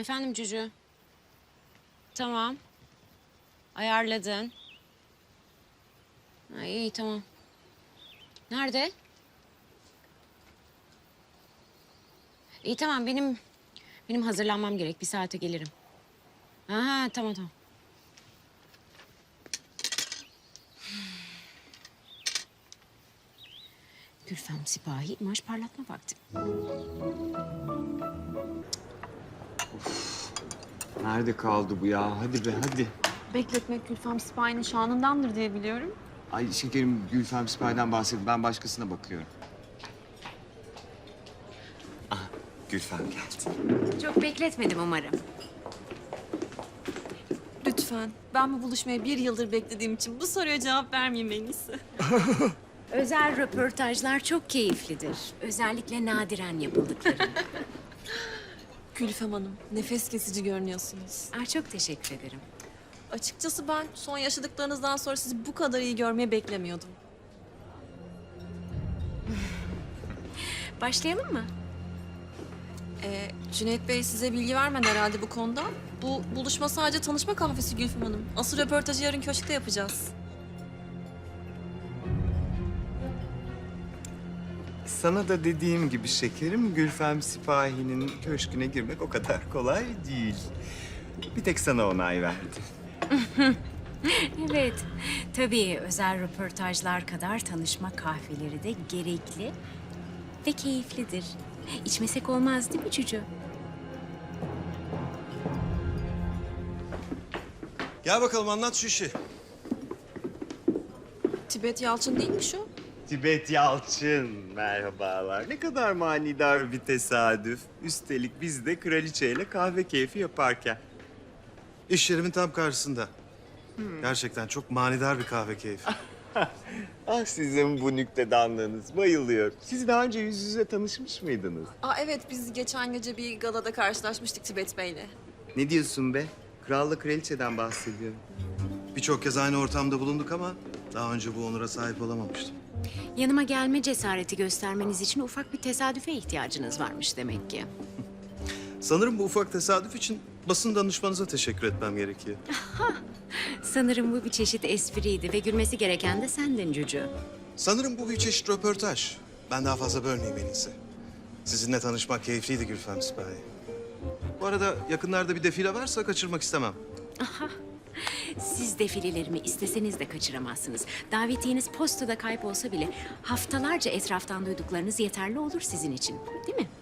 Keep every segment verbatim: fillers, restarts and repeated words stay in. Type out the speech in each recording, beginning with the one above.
Efendim Cücü. Tamam. Ayarladın. Ha, iyi tamam. Nerede? İyi tamam benim benim hazırlanmam gerek. Bir saate gelirim. Aha tamam tamam. Gülfem Sipahi imaj parlatma vakti. Nerede kaldı bu ya? Hadi be hadi. Bekletmek Gülfem Sipahi'nin şanındandır diye biliyorum. Ay şekerim Gülfem Sipahi'den bahsedin. Ben başkasına bakıyorum. Ah Gülfem geldi. Çok bekletmedim umarım. Lütfen. Ben bu buluşmayı bir yıldır beklediğim için bu soruya cevap vermeyeyim en iyisi. Özel röportajlar çok keyiflidir. Özellikle nadiren yapıldıkları. Gülfem Hanım, nefes kesici görünüyorsunuz. Aa, çok teşekkür ederim. Açıkçası ben son yaşadıklarınızdan sonra sizi bu kadar iyi görmeyi beklemiyordum. Başlayalım mı? Ee, Cüneyt Bey size bilgi vermedi herhalde bu konuda. Bu buluşma sadece tanışma kahvesi Gülfem Hanım. Asıl röportajı yarın köşkte yapacağız. Sana da dediğim gibi şekerim Gülfem Sipahi'nin köşküne girmek o kadar kolay değil. Bir tek sana onay verdi. Evet. Tabii özel röportajlar kadar tanışma kahveleri de gerekli ve keyiflidir. İçmesek olmaz değil mi Cücü? Gel bakalım anlat şu işi. Tibet Yalçın değil mi şu? Tibet Yalçın, merhabalar. Ne kadar manidar bir tesadüf. Üstelik biz de kraliçeyle kahve keyfi yaparken. İş yerimin tam karşısında. Gerçekten çok manidar bir kahve keyfi. Ah sizin bu nüktedanlığınız, bayılıyorum. Siz daha önce yüz yüze tanışmış mıydınız? Aa evet, biz geçen gece bir galada karşılaşmıştık Tibet Bey'le. Ne diyorsun be? Kralla kraliçeden bahsediyorum. Birçok kez aynı ortamda bulunduk ama daha önce bu onura sahip olamamıştım. Yanıma gelme cesareti göstermeniz için ufak bir tesadüfe ihtiyacınız varmış demek ki. Sanırım bu ufak tesadüf için basın danışmanıza teşekkür etmem gerekiyor. Sanırım bu bir çeşit espriydi ve gülmesi gereken de sendin Cücü. Sanırım bu bir çeşit röportaj. Ben daha fazla bölmeyeyim en iyisi. Sizinle tanışmak keyifliydi Gülfem Sipahi. Bu arada yakınlarda bir defile varsa kaçırmak istemem. Siz defilelerimi isteseniz de kaçıramazsınız. Davetiyeniz postada kaybolsa bile haftalarca etraftan duyduklarınız yeterli olur sizin için. Değil mi?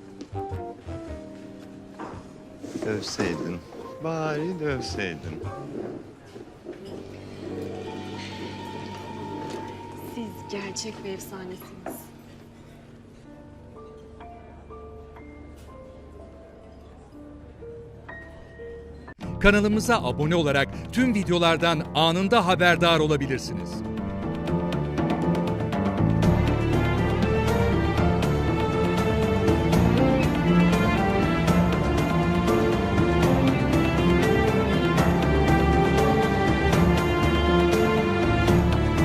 Dövseydin. Bari dövseydin. Siz gerçek bir efsanesiniz. Kanalımıza abone olarak tüm videolardan anında haberdar olabilirsiniz.